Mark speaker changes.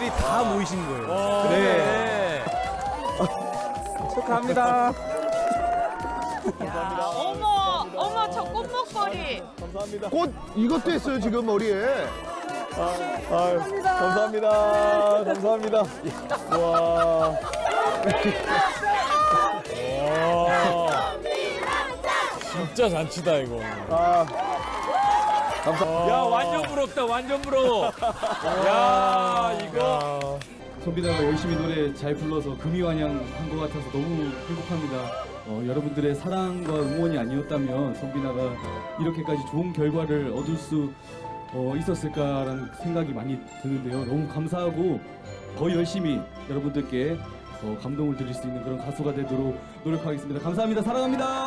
Speaker 1: 팬분들이 다 모이신 거예요.
Speaker 2: 네.
Speaker 1: 축하합니다.
Speaker 3: 야, 어머, 저 꽃목걸이.
Speaker 2: 감사합니다.
Speaker 4: 꽃 이것도 했어요 지금 머리에.
Speaker 2: 감사합니다. 감사합니다. 와.
Speaker 5: 진짜 잔치다 이거.
Speaker 2: 감사합니다.
Speaker 5: 야 완전 부럽다 완전 부러워. 야 이거.
Speaker 6: 손비나가 열심히 노래 잘 불러서 금이환영한 것 같아서 너무 행복합니다. 여러분들의 사랑과 응원이 아니었다면 손비나가 이렇게까지 좋은 결과를 얻을 수 있었을까라는 생각이 많이 드는데요. 너무 감사하고 더 열심히 여러분들께 감동을 드릴 수 있는 그런 가수가 되도록 노력하겠습니다. 감사합니다. 사랑합니다.